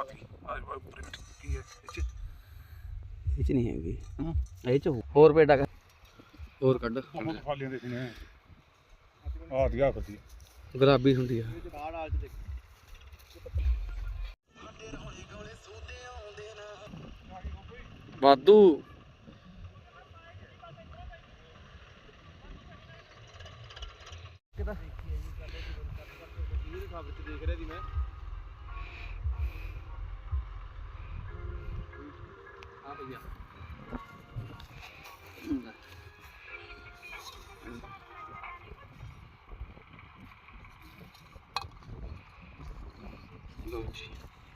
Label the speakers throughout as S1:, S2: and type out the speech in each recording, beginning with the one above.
S1: ਲਾਤੀ ਕੀ ਹੈ
S2: ਇਹ ਚ ਨਹੀਂ ਹੈਗੀ ਇਹ ਚ ਹੋਰ ਪੇਡਾ ਹੋਰ ਕੱਢ
S1: ਖਾਲੀਆਂ ਦੇ ਸੀ ਨੇ ਆਹ ਦਿਆ ਫਤੀ
S2: ਗੁਲਾਬੀ ਹੁੰਦੀ ਆ ਵਾਧੂ ਕਿਦਾ ਦੇਖ ਰਿਹਾ ਸੀ ਮੈਂ ਹਾਂ ਭਈਆ ਲੋ ਜੀ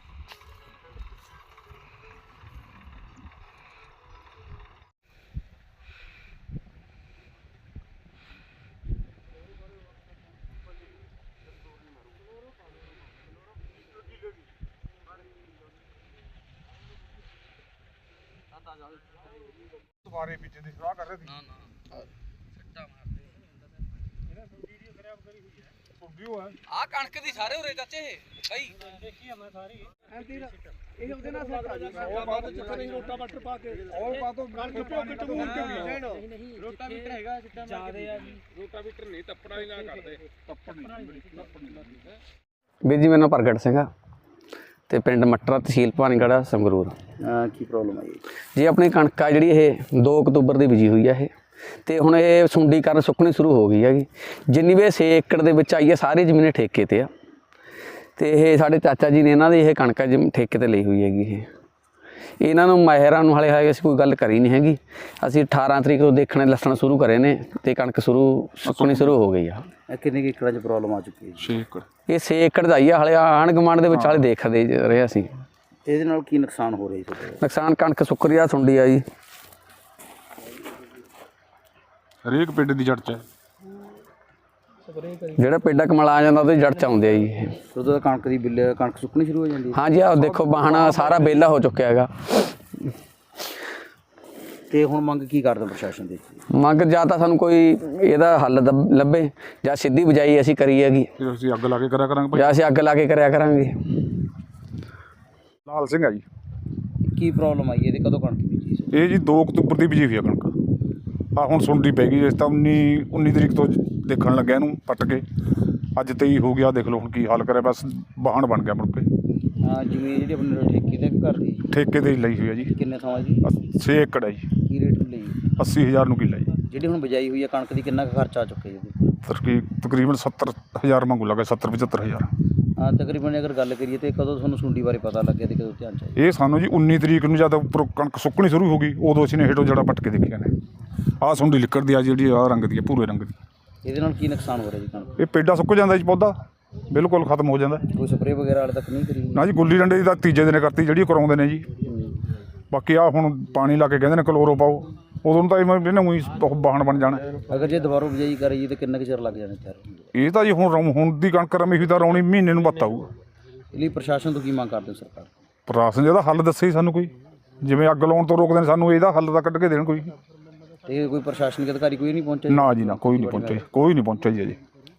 S1: ਦੁਬਾਰੇ ਬੀਜਣ ਦੀ ਸਲਾਹ ਕਰ ਰਹੇ ਸੀ
S2: ਨਾ ਨਾ ਸੱਟਾ ਮਾਰਦੇ
S1: ਇਹਨੇ ਵੀਡੀਓ ਖਰਾਬ ਕਰੀ ਹੋਈ ਹੈ ਸੁਣਦੀ ਹੈ
S2: ਆ ਕਣਕ ਦੀ ਸਾਰੇ ਉਰੇ ਚਾਚੇ ਬਈ
S1: ਦੇਖੀ ਆ ਮੈਂ ਸਾਰੀ
S2: ਇਹ ਉਹਦੇ ਨਾਲ ਸੈੱਟ ਆ ਜੀ
S1: ਉਹ ਬਾਅਦ ਜਿੱਥੇ ਨਹੀਂ ਰੋਟਾ ਬੱਟ ਪਾ ਕੇ ਉਹ ਬਾਅਦੋਂ ਕਣਕ ਪੋਕਟ ਮੂਰ ਕੇ
S2: ਨਹੀਂ ਰੋਟਾ ਮੀਟਰ ਹੈਗਾ ਸਿੱਟਾ ਜ਼ਿਆਦੇ ਆ ਜੀ
S1: ਰੋਟਾ ਮੀਟਰ ਨਹੀਂ ਤੱਪੜਾ ਹੀ ਨਾ ਕਰਦੇ ਤੱਪੜ ਨਹੀਂ
S2: ਵੀਰ ਜੀ ਮੇਰਾ ਪ੍ਰਗਟ ਸਿੰਘ ਆ ਤੇ ਪਿੰਡ ਮੱਟਰਾ ਤਹਿਸੀਲ ਭਾਨੀਗੜ੍ਹ ਸੰਗਰੂਰ
S3: ਕੀ ਪ੍ਰੋਬਲਮ ਆਈ
S2: ਜੀ ਆਪਣੀ ਕਣਕ ਆ ਜਿਹੜੀ ਇਹ 2 ਅਕਤੂਬਰ ਦੀ ਬੀਜੀ ਹੋਈ ਆ ਇਹ ਤੇ ਹੁਣ ਇਹ ਸੁੰਡੀ ਕਾਰਨ ਸੁੱਕਣੀ ਸ਼ੁਰੂ ਹੋ ਗਈ ਹੈਗੀ ਜਿੰਨੀ ਵੀ 6 ਏਕੜ ਦੇ ਵਿੱਚ ਆਈ ਹੈ ਸਾਰੀ ਜ਼ਮੀਨ ਠੇਕੇ ਤੇ ਆ ਤੇ ਇਹ ਸਾਡੇ ਚਾਚਾ ਜੀ ਨੇ ਇਹਨਾਂ ਦੀ ਇਹ ਕਣਕ ਠੇਕੇ ਤੇ ਲਈ ਹੋਈ ਹੈਗੀ ਇਹਨਾਂ ਨੂੰ ਮਾਹਿਰਾਂ ਨੂੰ ਹਾਲੇ ਅਸੀਂ ਕੋਈ ਗੱਲ ਕਰੀ ਨਹੀਂ ਹੈਗੀ ਅਸੀਂ 18 ਤਰੀਕ ਨੂੰ ਦੇਖਣੇ ਲੱਸਣ ਸ਼ੁਰੂ ਕਰੇ ਨੇ ਤੇ ਕਣਕ ਸੁੱਕਣੀ ਸ਼ੁਰੂ ਹੋ ਗਈ ਆ
S3: ਕਿੰਨੇ ਏਕੜਾਂ 'ਚ ਪ੍ਰੋਬਲਮ ਆ ਚੁੱਕੀ ਹੈ
S1: 6 ਏਕੜ
S2: ਇਹ 6 ਏਕੜ ਦਾ ਹੀ ਆ ਹਾਲੇ ਆਂਢ ਗੁਆਂਢ ਦੇ ਵਿੱਚ ਹਾਲੇ ਦੇਖਦੇ ਰਹੇ ਅਸੀਂ
S3: ਇਹਦੇ ਨਾਲ ਕੀ ਨੁਕਸਾਨ ਹੋ ਰਿਹਾ ਜੀ
S2: ਨੁਕਸਾਨ ਕਣਕ ਸੁੱਕ ਰਹੀ ਆ ਸੁੰਡੀ ਆ ਜੀ
S1: ਹਰੇਕ ਪਿੰਡ ਦੀ ਜੜ ਚ ਹੈ
S2: ਜਿਹੜਾ ਪੇਡਾ ਕਮਲ ਆ ਜਾਂਦਾ ਉਹਦੇ ਜੜ ਚ ਆਉਂਦੇ ਆ ਜੀ ਇਹ
S3: ਉਦੋਂ ਕਣਕ ਦੀ ਬਿੱਲ ਕਣਕ ਸੁੱਕਣੀ ਸ਼ੁਰੂ ਹੋ ਜਾਂਦੀ ਹੈ
S2: ਹਾਂਜੀ ਆਹ ਦੇਖੋ ਬਾਹਣਾ ਸਾਰਾ ਵਿਹਲਾ ਹੋ ਚੁੱਕਿਆ ਹੈਗਾ
S3: ਤੇ ਹੁਣ ਮੰਗ ਕੀ ਕਰਦੇ ਪ੍ਰਸ਼ਾਸਨ ਦੇ
S2: ਮੰਗ ਜਾਂ ਤਾਂ ਸਾਨੂੰ ਕੋਈ ਇਹਦਾ ਹੱਲ ਲੱਭੇ ਜਾਂ ਸਿੱਧੀ ਬਜਾਈ ਅਸੀਂ ਕਰੀ ਹੈਗੀ
S1: ਫਿਰ ਅਸੀਂ ਅੱਗ ਲਾ ਕੇ ਕਰਿਆ ਕਰਾਂਗੇ ਭਾਈ
S2: ਜਾਂ ਅਸੀਂ ਅੱਗ ਲਾ ਕੇ ਕਰਿਆ ਕਰਾਂਗੇ
S1: ਲਾਲ ਸਿੰਘ ਆ ਜੀ
S3: ਕੀ ਪ੍ਰੋਬਲਮ ਆਈ ਇਹਦੇ ਕਦੋਂ ਕਣਕ ਬੀਜੀ ਸੀ
S1: ਇਹ ਜੀ 2 ਅਕਤੂਬਰ ਦੀ ਬੀਜੀ ਹੋਈ ਆ ਕਣਕ ਆ ਹੁਣ ਸੁੰਡੀ ਪੈ ਗਈ ਜਿਸ ਤਾਂ 19 ਤਰੀਕ ਤੋਂ ਦੇਖਣ ਲੱਗਿਆ ਇਹਨੂੰ ਪੱਟ ਕੇ ਅੱਜ 23 ਹੋ ਗਿਆ ਦੇਖ ਲਓ ਹੁਣ ਕੀ ਹਾਲ ਕਰਿਆ ਬਸ ਵਾਹਣ ਬਣ ਗਿਆ ਮੁੜ ਕੇ
S3: ਹਾਂ ਜ਼ਮੀਨ ਜਿਹੜੀ ਆਪਣੇ ਠੇਕੇ ਤੇ ਘਰ ਦੀ
S1: ਠੇਕੇ ਤੇ ਹੀ ਲਈ ਹੋਈ ਆ ਜੀ
S3: ਕਿੰਨੇ ਥਾਂ ਜੀ
S1: 6 ਏਕੜ ਹੈ ਜੀ
S3: ਕੀ ਰੇਟ ਲਈ
S1: 80000 ਨੂੰ ਕਿੱਲਾ ਜੀ
S3: ਜਿਹੜੀ ਹੁਣ ਬਜਾਈ ਹੋਈ ਹੈ ਕਣਕ ਦੀ ਕਿੰਨਾ ਕੁ ਖਰਚਾ ਆ ਚੁੱਕਿਆ ਜੀ
S1: ਤਕਰੀਬਨ 70000 ਮੰਗੂ ਲੱਗਾ 70-75000
S3: ਹਾਂ ਤਕਰੀਬਨ ਅਗਰ ਗੱਲ ਕਰੀਏ ਤੇ ਕਦੋਂ ਤੁਹਾਨੂੰ ਸੁੰਡੀ ਬਾਰੇ ਪਤਾ ਲੱਗਿਆ ਤੇ ਕਦੋਂ ਧਿਆਨ ਚ ਆਇਆ
S1: ਇਹ ਸਾਨੂੰ ਜੀ 19 ਤਰੀਕ ਨੂੰ ਜਦ ਉੱਪਰੋਂ ਕਣਕ ਸੁੱਕਣੀ ਸ਼ੁਰੂ ਹੋ ਗਈ ਉਦੋਂ ਅਸੀਂ ਨੇ ਹੇਠੋਂ ਜੜਾ ਪੱਟ ਕੇ ਦੇਖਿਆ ਨੇ ਆਹ ਸੁੰਡੀ ਲਿਕੜਦੀ ਆ ਜਿਹੜੀ ਆਹ ਰੰਗ ਦੀ ਆ ਭੂਰੇ ਰੰਗ ਦੀ
S3: ਇਹਦੇ ਨਾਲ ਕੀ ਨੁਕਸਾਨ ਹੋ ਰਿਹਾ ਜੀ ਕਣਕ
S1: ਇਹ ਪੇਡਾ ਸੁੱਕ ਜਾਂਦਾ ਜੀ ਪੌਦਾ ਬਿਲਕੁਲ ਖਤਮ ਹੋ ਜਾਂਦਾ
S3: ਕੋਈ ਸਪਰੇਅ ਵਗੈਰਾ ਹਾਲੇ ਤੱਕ ਨਹੀਂ ਕਰੀ
S1: ਨਾ ਜੀ ਗੁੱਲੀ ਡੰਡੇ ਦੀ ਤਾਂ ਤੀਜੇ ਦਿਨ ਕਰਤੀ ਜਿਹੜੀ ਕਰਾਉਂਦੇ ਨੇ ਜੀ ਬਾਕੀ ਆ ਹੁਣ ਪਾਣੀ ਲਾ ਕੇ ਕਹਿੰਦੇ ਨੇ ਕਲੋਰੋ ਪਾਓ ਉਦੋਂ ਤਾਂ ਇਹਨੇ ਉਹੀ ਬਾਹਣ ਬਣ ਜਾਣਾ
S3: ਅਗਰ ਜੇ ਦੁਬਾਰਾ ਬਜਾਈ ਕਰੀਏ ਤਾਂ ਕਿੰਨਾ ਕੁ ਚਿਰ ਲੱਗ ਜਾਣਾ ਤਿਆਰ
S1: ਇਹ ਤਾਂ ਜੀ ਹੁਣ ਦੀ ਕਣਕ ਰਮੀ ਹੋਈ ਤਾਂ ਰੌਣੀ ਮਹੀਨੇ ਨੂੰ ਬੱਤ ਆਊਗਾ
S3: ਇਹ ਲਈ ਪ੍ਰਸ਼ਾਸਨ ਤੋਂ ਕੀ ਮੰਗ ਕਰਦੇ ਹੋ ਸਰਕਾਰ
S1: ਪ੍ਰਸ਼ਾਸਨ ਜਿਹਦਾ ਹੱਲ ਦੱਸੇ ਹੀ ਸਾਨੂੰ ਕੋਈ ਜਿਵੇਂ ਅੱਗ ਲਾਉਣ ਤੋਂ ਰੋਕਦੇ ਨੇ ਸਾਨੂੰ ਇਹਦਾ ਹੱਲ ਤਾਂ ਕੱਢ ਕੇ ਦੇਣ ਕੋਈ
S3: ਤੇ ਕੋਈ ਪ੍ਰਸ਼ਾਸਨਿਕ ਅਧਿਕਾਰੀ ਕੋਈ ਨਹੀਂ ਪਹੁੰਚਿਆ
S1: ਨਾ ਜੀ ਨਾ ਕੋਈ ਨਹੀਂ ਪਹੁੰਚਿਆ ਜੀ ਅਜੇ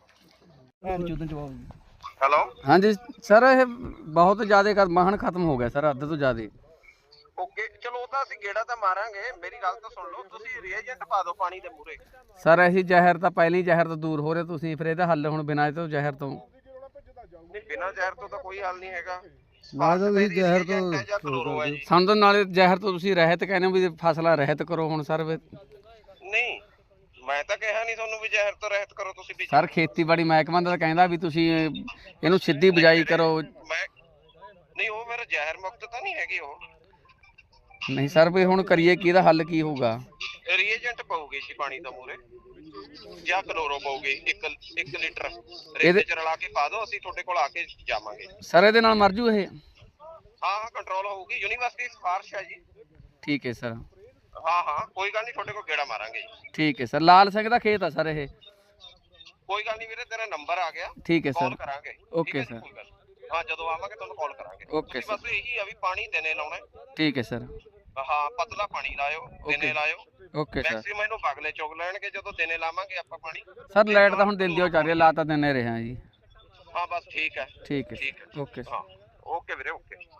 S4: ਹੈਲੋ
S2: ਹਾਂਜੀ ਸਰ ਇਹ ਬਹੁਤ ਜ਼ਿਆਦਾ ਵਾਹਣ ਖਤਮ ਹੋ ਗਿਆ ਸਰ ਅੱਧ ਤੋਂ ਜ਼ਿਆਦਾ
S4: ਓਕੇ ਚਲੋ ਉਹ ਤਾਂ ਅਸੀਂ ਗੇੜਾ ਤਾਂ ਮਾਰਾਂਗੇ ਮੇਰੀ ਗੱਲ ਤਾਂ ਸੁਣ ਲਓ ਤੁਸੀਂ ਰੀਏਜੈਂਟ ਪਾ ਦਿਓ ਪਾਣੀ ਦੇ ਮੂਰੇ
S2: ਸਰ ਅਸੀਂ ਜ਼ਹਿਰ ਤਾਂ ਪਹਿਲੀ ਜ਼ਹਿਰ ਤੋਂ ਦੂਰ ਹੋ ਰਹੇ ਤੁਸੀਂ ਫਿਰ ਇਹਦਾ ਹੱਲ ਹੁਣ ਬਿਨਾਂ ਤੋਂ ਜ਼ਹਿਰ ਤੋਂ
S4: ਨਹੀਂ ਬਿਨਾਂ ਜ਼ਹਿਰ ਤੋਂ ਤਾਂ ਕੋਈ ਹੱਲ ਨਹੀਂ ਹੈਗਾ
S3: ਤੁਸੀਂ ਜ਼ਹਿਰ
S2: ਸਾਨੂੰ ਤਾਂ ਨਾਲੇ ਜ਼ਹਿਰ ਤੋਂ ਤੁਸੀਂ ਰਹਿਤ ਕਹਿੰਦੇ ਹੋ ਵੀ ਫਸਲਾਂ ਰਹਿਤ ਕਰੋ ਹੁਣ ਸਰ
S4: ਨਹੀਂ ਮੈਂ ਤਾਂ ਕਿਹਾ ਨਹੀਂ ਤੁਹਾਨੂੰ ਵੀ ਜ਼ਹਿਰ ਤੋਂ ਰਹਿਤ ਕਰੋ ਤੁਸੀਂ ਵੀ
S2: ਸਰ ਖੇਤੀਬਾੜੀ ਮਹਿਕਮਾ ਦਾ ਕਹਿੰਦਾ ਵੀ ਤੁਸੀਂ ਇਹਨੂੰ ਸਿੱਧੀ ਬਿਜਾਈ ਕਰੋ
S4: ਮੈਂ ਨਹੀਂ ਉਹ ਮੇਰਾ ਜ਼ਹਿਰ ਮੁਕਤ ਤਾਂ ਨਹੀਂ ਹੈਗੀ ਉਹ
S2: ਨਹੀਂ ਸਰ ਵੀ ਹੁਣ ਕਰੀਏ ਕੀ ਇਹਦਾ ਹੱਲ ਕੀ ਹੋਊਗਾ
S4: ਰੀਏਜੈਂਟ ਪਾਉਗੇ ਜੀ ਪਾਣੀ ਦਾ ਮੂਰੇ ਜਾਂ ਕਲੋਰੋ ਪਾਉਗੇ 1 ਲੀਟਰ
S2: ਇਹਦੇ-
S4: ਰੇਤ ਚ ਰਲਾ ਕੇ ਪਾ ਦਿਓ ਅਸੀਂ ਤੁਹਾਡੇ ਕੋਲ ਆ ਕੇ ਜਾਵਾਂਗੇ
S2: ਸਰ ਇਹਦੇ ਨਾਲ ਮਰ ਜੂ ਇਹ
S4: ਹਾਂ ਕੰਟਰੋਲ ਹੋਊਗੀ ਯੂਨੀਵਰਸਿਟੀ ਸਿਫਾਰਿਸ਼ ਹੈ ਜੀ
S2: ਠੀਕ ਹੈ ਸਰ
S4: ਹਾਂ ਕੋਈ ਗੱਲ ਨਹੀਂ ਤੁਹਾਡੇ ਕੋਲ ਗੇੜਾ ਮਾਰਾਂਗੇ ਜੀ
S2: ਠੀਕ ਹੈ ਸਰ ਲਾਲ ਸਿੰਘ ਦਾ ਖੇਤ ਆ ਸਰ ਇਹ
S4: ਕੋਈ ਗੱਲ ਨਹੀਂ ਵੀਰੇ ਤੇਰਾ ਨੰਬਰ ਆ ਗਿਆ
S2: ਠੀਕ ਹੈ
S4: ਕਾਲ
S2: ਸਰ
S4: ਕਰਾਂਗੇ
S2: ਓਕੇ ਸਰ
S4: ਕੋਈ ਗੱਲ ਨੀ। ਹਾਂ ਜਦੋਂ ਆਵਾਂਗੇ ਤੁਹਾਨੂੰ ਕਾਲ ਕਰਾਂਗੇ
S2: ਓਕੇ
S4: ਬਸ ਇਹੀ ਆ ਵੀ ਪਾਣੀ ਦਿਨੇ ਲਾਉਣਾ
S2: ਠੀਕ ਹੈ ਸਰ
S4: ਹਾਂ ਪਤਲਾ ਪਾਣੀ ਲਾਇਓ ਦਿਨੇ ਲਾਇਓ
S2: ਓਕੇ ਸਰ
S4: ਮੈਕਸਿਮਮ ਇਹਨੂੰ ਬਗਲੇ ਚੁਗ ਲੈਣਗੇ ਜਦੋਂ ਦਿਨੇ ਲਾਵਾਂਗੇ ਆਪਾਂ ਪਾਣੀ
S2: ਸਰ ਲਾਈਟ ਤਾਂ ਹੁਣ ਦਿਨ ਦੀ ਹੋ ਚੱਲ ਰਹੀ ਹੈ ਲਾ ਤਾਂ ਦਿਨੇ ਰਹੇ ਹਾਂ ਜੀ
S4: ਹਾਂ ਬਸ ਠੀਕ ਹੈ
S2: ਠੀਕ ਹੈ ਓਕੇ
S4: ਹਾਂ ਓਕੇ ਵੀਰੇ ਓਕੇ